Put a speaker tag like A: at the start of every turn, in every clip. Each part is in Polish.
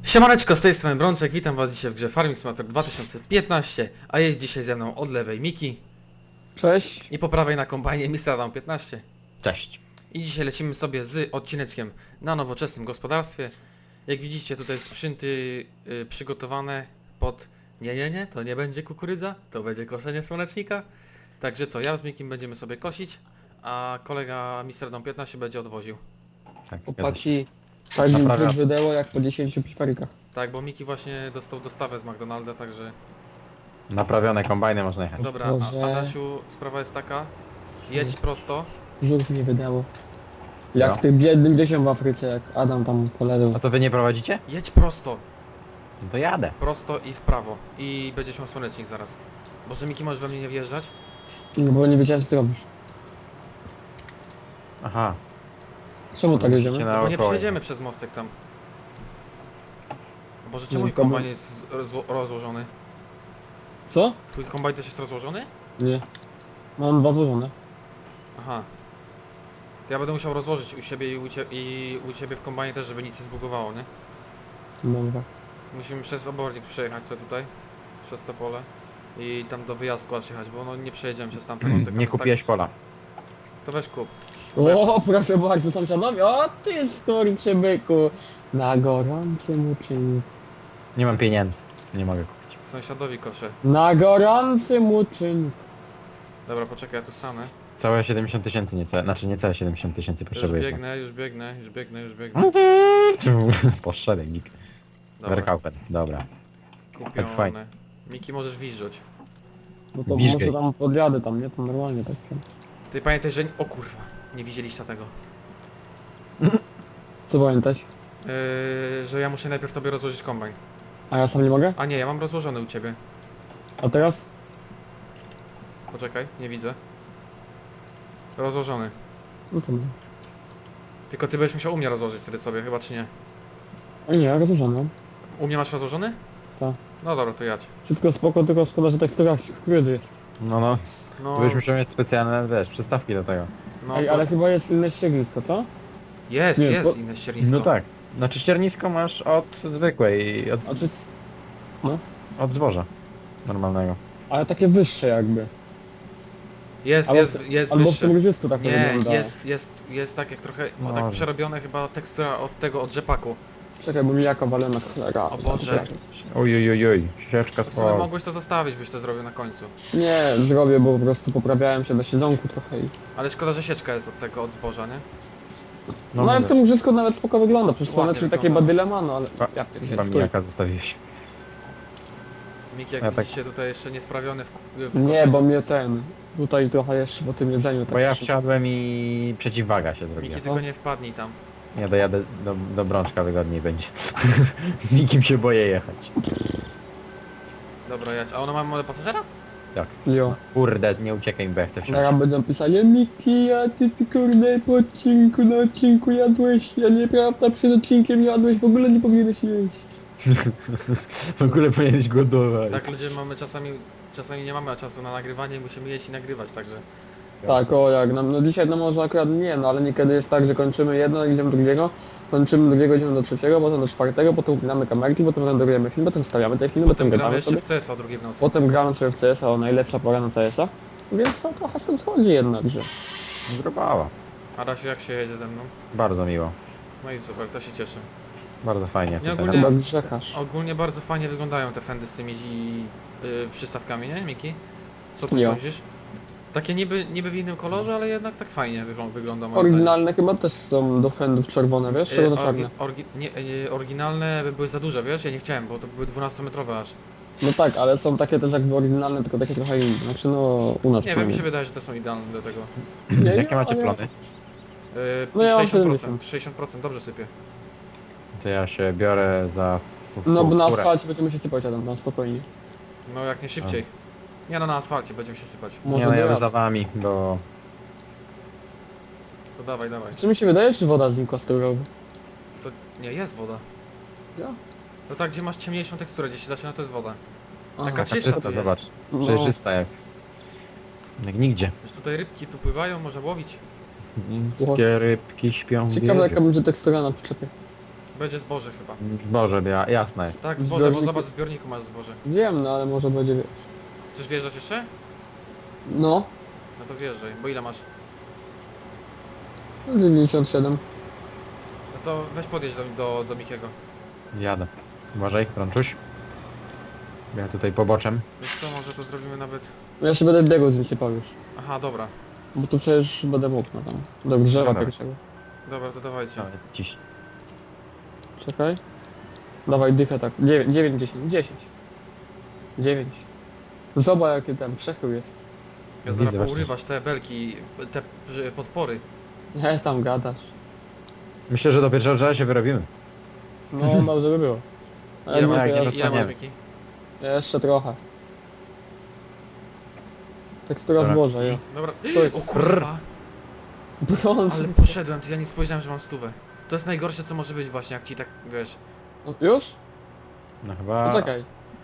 A: Siemaneczko, z tej strony Brączek, witam was dzisiaj w grze Farming Simulator 2015, a jest dzisiaj ze mną od lewej Miki
B: Cześć.
A: i po prawej na kombajnie Mr. Adam 15.
C: Cześć.
A: I dzisiaj lecimy sobie z odcineczkiem na nowoczesnym gospodarstwie. Jak widzicie tutaj sprzęty przygotowane pod... Nie, to nie będzie kukurydza, to będzie koszenie słonecznika. Także co, ja z Mikim będziemy sobie kosić, a kolega Mr. Adam 15 będzie odwoził.
C: Tak, zgadza się.
B: Chłopaki, tak mi
C: Naprawia.
B: brzuch wydeło jak po 10 pifarikach.
A: Tak, bo Miki właśnie dostał dostawę z McDonalda, także...
C: Naprawione kombajny można jechać.
A: Dobra,
B: Boże.
A: Adasiu, sprawa jest taka, jedź prosto.
B: Brzuch mnie wydeło. Jak
C: No.
B: tym biednym dzieciom w Afryce, jak Adam tam poległ.
C: A to wy nie prowadzicie?
A: Jedź prosto,
C: No to jadę.
A: prosto i w prawo. I będziesz miał słonecznik zaraz. Boże, Miki, możesz we mnie nie wjeżdżać?
B: No bo nie wiedziałem co ty robisz.
C: Aha.
B: Czemu tak
C: Musicie
B: jedziemy?
C: na
A: Bo nie
C: około.
A: przejedziemy przez mostek tam. Boże, czemu
B: Nie,
A: mój kombajn jest rozłożony?
B: Co?
A: Twój kombajn też jest rozłożony?
B: Nie. Mam dwa złożone.
A: Aha. To ja będę musiał rozłożyć u siebie i u ciebie w kombajnie też, żeby nic nie zbugowało, nie?
B: Dobra.
A: Musimy przez obornik przejechać sobie tutaj, przez to pole. I tam do wyjazdku aż jechać, bo no nie przejedziemy przez tamten mostek. tam
C: Nie
A: jest
C: kupiłeś pola.
A: To weź kup.
B: O, proszę bardzo sąsiadowi. O ty skurczy byku. Na gorącym uczynku.
C: Nie mam pieniędzy. Nie mogę kupić.
A: Sąsiadowi koszę.
B: Na gorącym uczynku.
A: Dobra, poczekaj, ja tu stanę.
C: Całe 70 tysięcy, niecałe 70 tysięcy
A: Już
C: potrzebujesz.
A: biegnę, już biegnę.
C: Poszedł dzik.
A: Dobra,
C: Werkaufen. Dobra.
A: kupione.
C: fajnie.
A: Miki, możesz wizżeć.
B: No to
C: Wiżgej.
B: może tam podjadę tam, nie? To normalnie tak.
A: Ty pamiętaj, że... O kurwa, nie widzieliście tego.
B: Co pamiętać?
A: Że ja muszę najpierw tobie rozłożyć kombajn.
B: A ja sam nie mogę?
A: A nie, ja mam rozłożony u ciebie.
B: A teraz?
A: Poczekaj, nie widzę. Rozłożony.
B: No to nie.
A: Tylko ty będziesz musiał u mnie rozłożyć wtedy sobie, chyba czy nie?
B: A nie, rozłożone.
A: U mnie masz rozłożony?
B: Tak.
A: No dobra, to jadź.
B: Wszystko spoko, tylko szkoda, że tekstura kukurydzy jest.
C: No.
A: No,
C: Tu byś musiał mieć specjalne, wiesz, przystawki do tego.
A: no
B: Ej,
A: to...
B: ale chyba jest inne ściernisko, co?
A: Jest,
B: Nie,
A: jest
B: bo-
A: inne ściernisko.
C: No tak. Znaczy ściernisko masz od zwykłej,
B: A czy...
C: od zboża. Normalnego.
B: Ale takie wyższe jakby.
A: Jest,
B: Albo,
A: jest
B: albo w
A: wyższe.
B: tym ludzisku tak to
A: Nie,
B: wygląda.
A: jest tak jak trochę, o, tak
C: Może.
A: przerobione chyba tekstura od tego, od rzepaku.
B: Czekaj, bo mi jaka walena cholera.
A: O Boże.
C: Oj. Sieczka
A: W sumie
C: spała.
A: mogłeś to zostawić, byś to zrobił na końcu.
B: Nie, zrobię, bo po prostu poprawiałem się na siedzonku trochę i...
A: Ale szkoda, że sieczka jest od tego, od zboża, nie?
B: No, ale w tym łużysku nawet spoko wygląda, przecież
A: Ładnie
B: słoneczny takie
A: wygląda.
B: badyle ma, no ale...
C: A,
B: Ja
C: Chyba
B: pierdzielę,
C: mi
B: stój.
C: jaka zostawiłeś.
A: Miki, jak
C: Ja tak-
A: widzicie, tutaj jeszcze nie wprawiony w
B: Nie,
A: koszenie.
B: bo mnie ten... Tutaj trochę jeszcze po tym jedzeniu tak...
C: Bo ja wsiadłem i przeciwwaga się zrobiła.
A: Miki, tylko nie wpadnij tam.
C: Ja dojadę do Brączka, wygodniej będzie. Z nikim się boję jechać.
A: Dobra, jadź. A ono ma małe pasażera?
C: Tak.
B: Jo.
C: Kurde, nie uciekaj mi, bo ja chcę wsiąść.
B: Zaraz będą pisali, Miki, a ty kurde po odcinku, na odcinku jadłeś, a nieprawda, przed odcinkiem jadłeś, w ogóle nie powinieneś jeść.
C: W ogóle powinieneś głodować.
A: Tak, ludzie mamy czasami nie mamy czasu na nagrywanie i musimy jeść i nagrywać, także...
B: Tak, o jak nam, no dzisiaj no może akurat nie, no ale niekiedy jest tak, że kończymy jedno, idziemy do drugiego, kończymy drugiego, idziemy do trzeciego, potem do czwartego, potem upinamy kamerki, potem renderujemy film, potem wstawiamy te filmy, potem
A: Gramy
B: gadamy
A: jeszcze
B: sobie,
A: w CS o drugiej w nocy.
B: potem gramy sobie w CS-a, o najlepsza pora na CS-a, więc to trochę z tym schodzi jednakże.
C: Zgrubała.
A: Adasiu, jak się jedzie ze mną?
C: Bardzo miło.
A: No i super, to się cieszę.
C: Bardzo fajnie.
A: Nie,
C: tutaj.
A: ogólnie-
B: Chyba grzechasz.
A: Ogólnie bardzo fajnie wyglądają te fendy z tymi przystawkami, nie, Miki? Co ty
B: Jo.
A: sądzisz? Takie niby w innym kolorze, ale jednak tak fajnie wygląda moim
B: Oryginalne chyba też są do fendów czerwone, wiesz,
A: zdaniem.
B: czerwono-czarne.
A: Oryginalne były za duże, wiesz? Ja nie chciałem, bo to były 12-metrowe aż.
B: No tak, ale są takie też jakby oryginalne, tylko takie trochę inne, znaczy no u nas
A: Nie wiem, mi się
B: przynajmniej.
A: wydaje, że te są idealne do tego.
B: Nie,
C: Jakie macie
B: ale-
C: plony?
B: No ja mam
A: 60%, 60%, dobrze sypie.
C: To ja się biorę za
B: No bo na
C: furę.
B: asfalcie będziemy się sypać, Adam, tam spokojnie.
A: No jak nie szybciej. Nie no, na asfalcie będziemy się sypać.
C: Nie
B: Może
C: no, jadę
B: dojadę.
C: za wami, bo...
A: To dawaj, dawaj.
B: Czy mi się wydaje, czy woda znikła z tego rowu?
A: To nie, jest woda.
B: Ja?
A: No tak, gdzie masz ciemniejszą teksturę, gdzie się zaczyna, to jest woda.
B: Aha.
A: Taka
C: Taka
A: czysta
C: czysta,
A: to jest.
C: zobacz.
B: No.
C: Przejrzysta jak nigdzie.
A: Wiesz, tutaj rybki tu pływają, można łowić.
C: Wszystkie rybki śpią w
B: Ciekawe
C: wieży.
B: jaka będzie tekstura na przyczepie.
A: Będzie zboże chyba.
C: Boże, jasna jest.
A: Tak, zboże, bo
B: Zbiorniku-
A: zobacz, w zbiorniku masz zboże.
B: Wiem, no ale może będzie, wiesz.
A: Chcesz wjeżdżać jeszcze?
B: No,
A: No to wjeżdżaj, bo ile masz?
B: 97.
A: No to weź podjedź do Mikiego.
C: Jadę. Uważaj, Brączuś. Ja tutaj poboczem.
A: Wiesz co, może to zrobimy nawet...
B: Ja się będę biegł z nim sypał już.
A: Aha, dobra.
B: Bo tu przecież będę mógł, no tam. Do drzewa
C: Dobra.
B: pierwszego.
A: Dobra, to dawajcie.
C: Ciś.
B: Czekaj. Dawaj dychę tak. 9, 10, 10. 9. Zobacz jakie tam przechył jest.
A: Ja
C: Widzę
A: zaraz
C: właśnie.
A: pourywasz te belki, te podpory.
B: Nie tam gadasz.
C: Myślę, że do pierwszego drzewa się wyrobimy.
B: No dobrze by było. Ale
A: Ile
B: może
A: masz,
C: jak nie
B: ja-
A: ile masz
C: dostaniemy.
A: Miki?
B: jeszcze trochę. Tekstura
C: Dobra.
B: zboża, ja.
A: Dobra.
B: Stój.
A: O kurwa!
B: Brąz.
A: Ale poszedłem, to ja nie spojrzałem, że mam stówę. To jest najgorsze co może być właśnie, jak ci tak, wiesz...
B: No, już?
C: No chyba...
B: Poczekaj.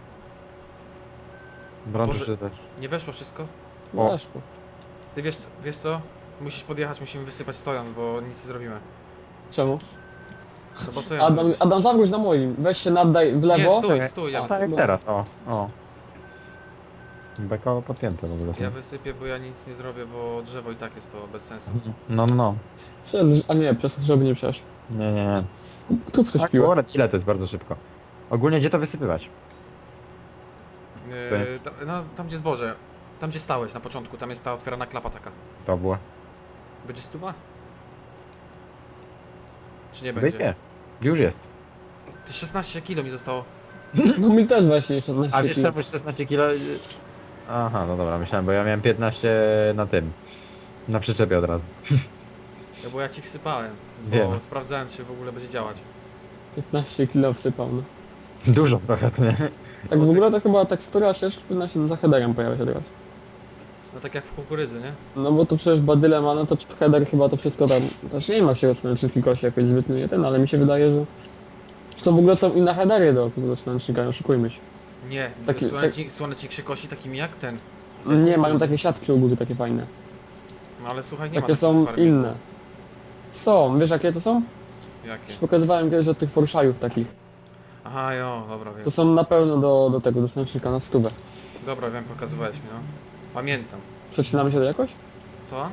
C: Brączuś
A: Boże.
C: też.
A: Nie weszło wszystko?
C: O.
B: Weszło.
A: Ty wiesz co? Musisz podjechać, musimy wysypać stojąc, bo nic nie zrobimy.
B: Czemu?
A: No bo co ja mam
B: Adam,
A: zrobić?
B: Adam zawróć na moim. Weź się naddaj w lewo.
A: Nie, stój, ja
C: O, tak
A: wysypię.
C: jak teraz, o. Beko podpięte w ogóle są.
A: Ja wysypię, bo ja nic nie zrobię, bo drzewo i tak jest to bez sensu.
C: No.
B: A nie, przez to, żeby nie przeszło.
C: Nie.
B: Tu ktoś
C: Tak,
B: piła.
C: akurat ile to jest bardzo szybko. Ogólnie gdzie to wysypywać? To jest-
A: Tam gdzie zboże, tam gdzie stałeś na początku, tam jest ta otwierana klapa taka.
C: To było.
A: Będzie stuwa? Czy nie będzie?
C: Wyjdzie. Już jest.
A: Ty 16 kilo mi zostało.
B: No mi też właśnie 16
C: A wiesz
B: kilo.
C: czemu 16 kilo? Aha, no dobra, myślałem, bo ja miałem 15 na tym. Na przyczepie od razu.
A: Ja, bo ja ci wsypałem, bo
C: Wiem.
A: sprawdzałem czy w ogóle będzie działać.
B: 15 kilo wsypał, no.
C: Dużo trochę, to nie?
B: Tak w ogóle to chyba tekstura ścieżki powinna się za headerem pojawiać od razu.
A: No tak jak w kukurydzy, nie?
B: No bo tu przecież badyle ma, no to header chyba to wszystko tam... Też nie ma się rozręcznika się jakoś zbytnio nie ten, ale mi się wydaje, że... Że to w ogóle są inne headery do rozręcznika, nie oszukujmy się.
A: Nie,
B: Taki-
A: słonecznik się kosi takimi jak ten.
B: Nie, mają takie siatki u góry, takie fajne.
A: No ale słuchaj, nie ma
B: Takie
A: takich
B: są
A: w farmingu.
B: inne. Są, wiesz jakie to są?
A: Jakie?
B: Już pokazywałem kiedyś od tych forszajów takich.
A: Aha, jo, dobra, wiem.
B: To są na pełno do tego, do słonecznika na stówę.
A: Dobra, wiem, pokazywałeś mi, no. Pamiętam.
B: Przecinamy się to jakoś?
A: Co?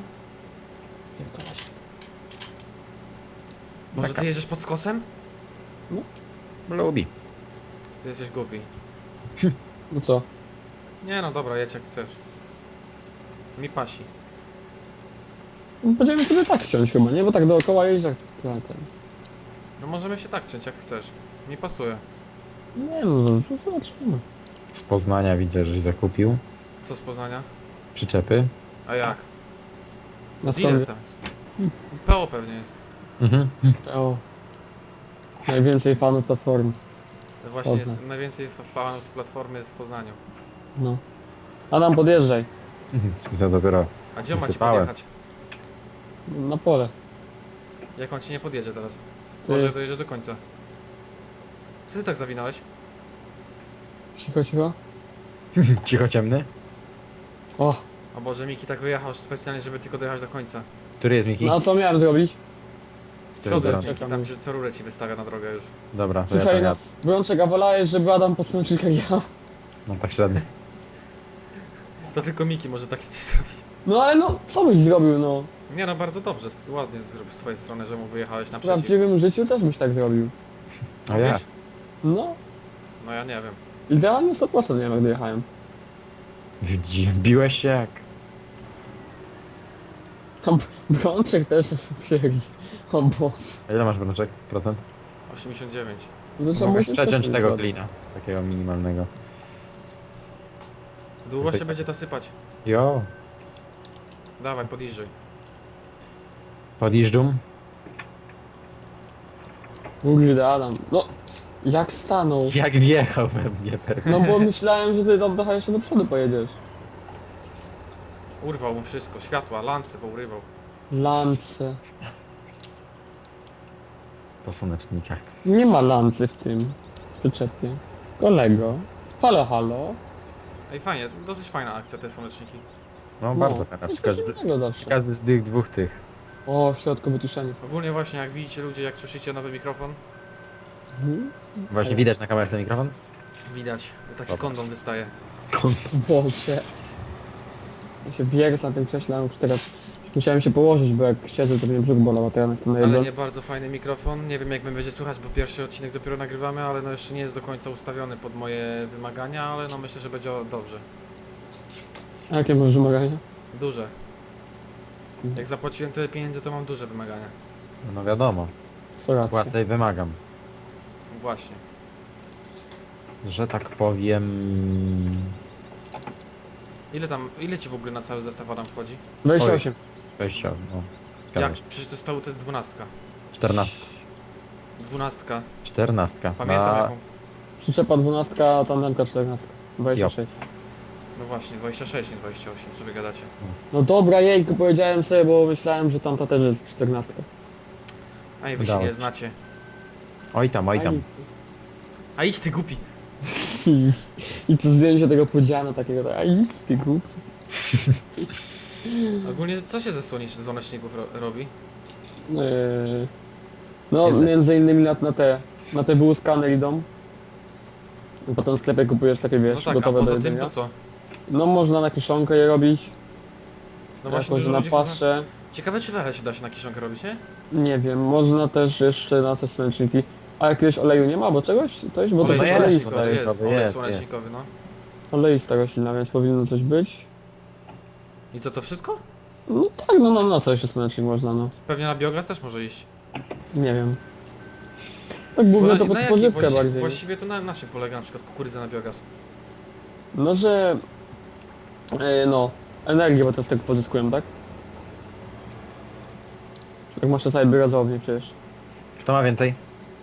A: Może ty jedziesz pod skosem?
C: Lubi.
A: Ty jesteś głupi.
B: No co?
A: Nie no dobra, jedź jak chcesz. Mi pasi.
B: No, będziemy sobie tak ściąć chyba, nie? Bo tak dookoła jeździ jak ten.
A: No możemy się tak ciąć jak chcesz. Mi pasuje.
B: Nie no, to zobaczymy.
C: Z Poznania widzę, żeś zakupił.
A: Co z Poznania?
C: Przyczepy.
A: A jak?
B: Na
A: Dealer
B: skąd?
A: tam jest. PO pewnie jest.
C: Mhm.
B: O. Najwięcej fanów platformy.
A: To właśnie jest
B: Poznań.
A: najwięcej fanów platformy jest w Poznaniu.
B: No. Adam, podjeżdżaj.
C: To dopiero
A: A gdzie on ma ci
C: Wysypałem.
A: podjechać?
B: Na pole.
A: Jak on ci nie podjedzie teraz?
B: Ty.
A: Może dojedzie do końca. Co ty tak zawinąłeś?
B: Cicho, cicho.
C: cicho ciemny.
B: O,
A: O Boże, Miki tak wyjechał specjalnie, żeby tylko dojechać do końca.
C: Który jest Miki?
B: no a co miałem zrobić?
A: Z
C: Który
A: przodu jest
C: teraz?
A: Miki, tam gdzie co rurę ci wystawia na drogę już.
C: Dobra, to ja
B: Słuchaj,
C: tam
B: no,
C: jadę.
B: Brączek, a wolałeś, żeby Adam po słonecznikach jechał?
C: No tak średnio.
A: To tylko Miki może takie coś zrobić.
B: No ale no, co byś zrobił, no?
A: Nie no, bardzo dobrze, ładnie zrobił z twojej strony, że mu wyjechałeś
B: W
A: naprzeciw.
B: prawdziwym życiu też byś tak zrobił.
C: A ja?
A: Wiesz?
B: No,
A: No ja nie wiem.
B: idealnie 100% nie wiem jak dojechałem.
C: Wbiłeś się jak...
B: Tam Brączek też przyjedzie. O Boże.
C: A ile masz brączek? Procent?
A: 89.
B: No to trzeba
C: Mogę
B: musieć
C: przeciąć
B: też
C: tego
B: zrobić.
C: glina. Takiego minimalnego.
A: Długo
C: Tutaj-
A: się będzie to sypać.
C: Jo.
A: Dawaj, podjeżdżaj.
C: Podjeżdżum.
B: Kurde, Adam. No, jak stanął?
C: Jak wjechał we mnie pewnie.
B: No bo myślałem, że ty tam trochę jeszcze do przodu pojedziesz.
A: Urwał mu wszystko, światła, lance pourywał.
B: Lance.
C: Po słonecznikach.
B: Nie ma lancy w tym przyczepie. Kolego. Halo, halo.
A: Ej, fajnie, dosyć fajna akcja te słoneczniki.
C: No bardzo fajna.
B: coś
C: Każdy,
B: innego zawsze.
C: każdy z tych dwóch tych.
B: O, w środku wyciszenie.
A: Ogólnie właśnie, jak widzicie ludzie, jak słyszycie nowy mikrofon,
C: Właśnie widać na kamerce mikrofon?
A: Widać, taki
C: Dobra.
A: kondom wystaje.
B: Boże. Ja się wierzę na tym krześle, a już teraz musiałem się położyć, bo jak siedzę to mnie brzuch bolał, a teraz jestem na
A: Ale
B: jedno.
A: nie bardzo fajny mikrofon. Nie wiem jak mnie będzie słychać, bo pierwszy odcinek dopiero nagrywamy, ale no jeszcze nie jest do końca ustawiony pod moje wymagania, ale no myślę, że będzie dobrze.
B: A jakie masz wymagania?
A: Duże. Jak zapłaciłem tyle pieniędzy, to mam duże wymagania.
C: No wiadomo,
B: Co racja.
C: płacę i wymagam.
A: Właśnie.
C: Że tak powiem...
A: Ile ci w ogóle na cały zestaw Adam wchodzi?
B: 28.
C: Wejścia, no.
A: Jak?
C: Zgadza się.
A: Przecież to jest 12.
C: 14.
A: 12.
C: 14.
A: Pamiętam
C: Na...
A: jaką.
B: Przyczepa 12, a tam ramka 14. 26.
A: No właśnie, 26, nie 28, co wy gadacie?
B: No dobra, jejku, powiedziałem sobie, bo myślałem, że tamta też jest 14.
A: A i wy się
C: Udało
A: nie
C: ci.
A: znacie.
C: Oj tam, oj tam.
A: A idź ty głupi!
B: I to zdjęcie tego podziana takiego, tak, a idź ty głupi.
A: Ogólnie co się ze słoneczników robi?
B: No,
C: Więcej.
B: między innymi na te wyłuskane idą. I potem w sklepie kupujesz takie,
A: No
B: wiesz,
A: tak, a
B: gotowe do
A: poza tym
B: jedzenia.
A: to co?
B: No można na kiszonkę je robić,
A: No właśnie
B: jakoś
A: dużo
B: na
A: ludzi
B: paszę.
A: chyba... Ciekawe czy wele się da się na kiszonkę robić, nie?
B: Nie wiem, można też jeszcze na te słoneczniki. A jakiegoś oleju nie ma, bo czegoś? Coś? Bo to
A: Olej
B: jest
C: jest,
B: oleista.
A: słonecznikowy, jest,
C: olejowy,
A: olej
C: jest,
A: słonecznikowy, no.
B: Oleista roślina, więc powinno coś być.
A: I co, to wszystko?
B: No tak, no na co jeszcze słonecznik można, no.
A: Pewnie na biogaz też może iść.
B: Nie wiem. Tak głównie to pod
A: jakiej
B: spożywkę bardziej.
A: Właściwie to na czym polega na przykład kukurydza na biogaz?
B: No, że... no, energię, bo to z tego pozyskują, tak? Jak masz sobie biogazownię przecież.
C: Kto ma więcej?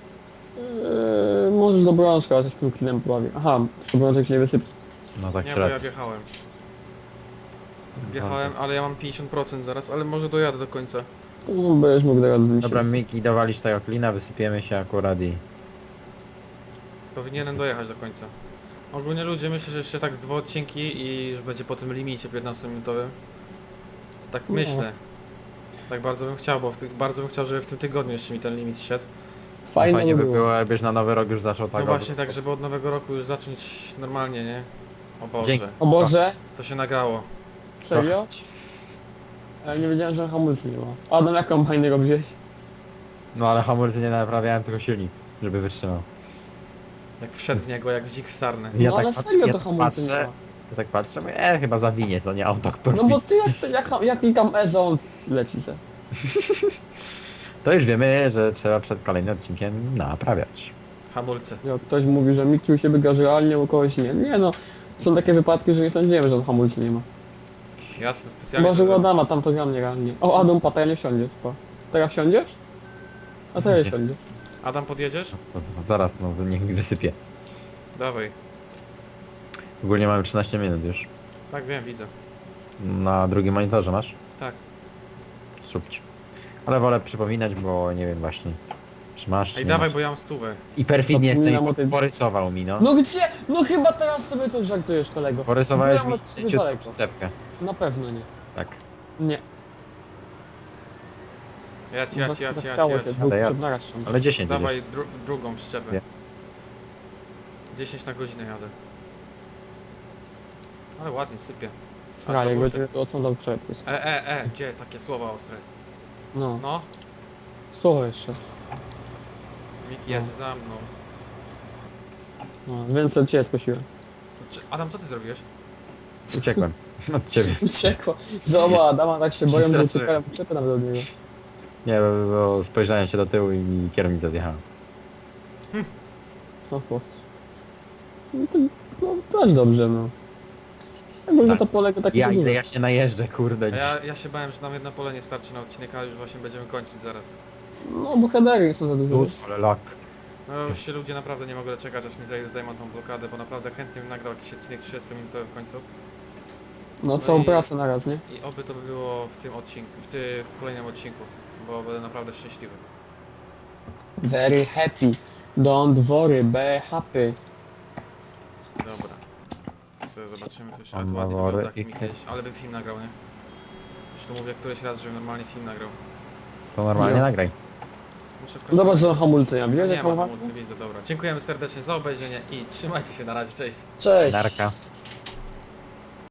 B: Możesz do brączka, ale się z tym klinem pobawię. Aha, to brączek się nie wysypie.
C: No tak
A: Nie, bo ja
C: średnio.
A: wjechałem. Wjechałem, ale ja mam 50% zaraz, ale może dojadę do końca.
B: To będziesz mógł teraz zbliżyć.
C: Dobra, Miki, dowalić tego klina, wysypiemy się akurat i...
A: Powinienem dojechać do końca. Ogólnie ludzie, myślę, że jeszcze tak z 2 odcinki i że będzie po tym limicie 15-minutowym. Tak
B: No.
A: myślę. Tak bardzo bym chciał, bo bardzo bym chciał, żeby w tym tygodniu jeszcze mi ten limit szedł.
B: Fajnie,
C: Fajnie
B: by
C: by było, jakbyś na nowy rok już zaczął tak...
A: No właśnie tak, żeby od nowego roku już zacząć normalnie, nie? O Boże,
C: Dzięki.
B: O Boże,
A: to się nagrało.
B: serio? Ja nie wiedziałem, że hamulcy nie ma. Adam, jak kombajny robiłeś?
C: No ale hamulcy nie naprawiałem, tylko silnik, żeby wytrzymał.
A: Jak wszedł w niego, jak dzik w sarnę.
B: No ale serio to hamulcy nie ma.
C: Ja tak patrzę, mówię, chyba zawinie, co nie auto
B: No bo ty jak tam Ezon leci se.
C: To już wiemy, że trzeba przed kolejnym odcinkiem naprawiać.
A: Hamulce.
B: Jak ktoś mówi, że Miki u siebie garzy realnie, u kogoś nie. Nie no, są takie wypadki, że nie sądziłem, że on hamulcy nie ma.
A: Jasne, specjalnie.
B: Może u
A: to-
B: Adama, tam to gra mnie realnie. O Adam, teraz nie wsiądziesz, pa. Teraz wsiądziesz? A teraz
C: Nie.
B: wsiądziesz.
A: Adam, podjedziesz?
C: Zaraz, no niech mi wysypie.
A: Dawaj.
C: Ogólnie mamy 13 minut już.
A: Tak wiem, widzę.
C: Na drugim monitorze masz?
A: Tak.
C: Zróbcie. Ale wolę przypominać, bo nie wiem właśnie. Czy masz?
A: Ej,
C: nie
A: dawaj,
C: masz.
A: bo ja mam stówę.
C: I perfidnie jeszcze
B: Zapominam
C: mi
B: o tej-
C: porysował mi, no.
B: No gdzie? No chyba teraz sobie coś żartujesz, kolego.
C: Porysowałeś
B: Byłem
C: mi
B: od ciebie
C: ciutką
B: daleko.
C: przyczepkę.
B: Na pewno nie.
C: Tak.
B: Nie.
A: Jadź.
B: Zachciało się, dwóch
C: Ale ja-
B: przed naraz ściągnąć.
C: Ale 10
A: Dawaj
C: jedziesz.
A: drugą przyczepę.
C: Nie.
A: 10 na godzinę jadę. Ale ładnie sypie.
B: Frajek,
A: A co,
B: będzie odsądzał przepis.
A: gdzie takie słowa ostre?
B: No,
A: No,
B: słowo jeszcze.
A: Miki jedzie za mną.
B: No, więc od ciebie skosiłem.
A: Adam, co ty zrobiłeś?
C: Uciekłem. Od ciebie.
B: Uciekło. Zobacz, Adama tak się boją, że
A: Straszyłem.
B: uciekają przyczepy nawet od niego.
C: Nie, bo spojrzałem się do tyłu i kierownica zjechała.
B: No chłopcy. No to też dobrze, no. Jakby
C: Tak.
B: to polega takie
C: Ja
B: za
C: idę,
B: dużo.
C: ja się najeżdżę, kurde.
A: A ja się bałem, że nam jedno pole nie starczy na odcinek, ale już właśnie będziemy kończyć zaraz.
B: No bo headery są za duże. wiesz.
C: Ale lak.
A: No już się ludzie naprawdę nie mogą doczekać, aż mi zdejmą tą blokadę, bo naprawdę chętnie bym nagrał jakiś odcinek 30-minutowy w końcu.
B: No całą
A: i-
B: pracę na raz, nie?
A: I oby to by było w tym odcinku, w kolejnym odcinku, bo będę naprawdę szczęśliwy.
B: Very happy. Don't worry, be happy.
A: Dobra. Sobie zobaczymy, to jeszcze
C: On
A: ale to
C: ma
A: ładnie
C: wory
A: wygląda, jak
C: i
A: mi kiedyś, ale bym film nagrał, nie? Już to mówię któryś raz, żebym normalnie film nagrał.
C: To normalnie
B: No.
C: nagraj.
A: Muszę w końcu-
B: Zobacz, że hamulce ja widzę,
A: Nie
B: jak
A: ma
B: hamulce?
A: hamulcy, widzę, dobra. Dziękujemy serdecznie za obejrzenie i trzymajcie się na razie, cześć.
B: Cześć.
C: Narka.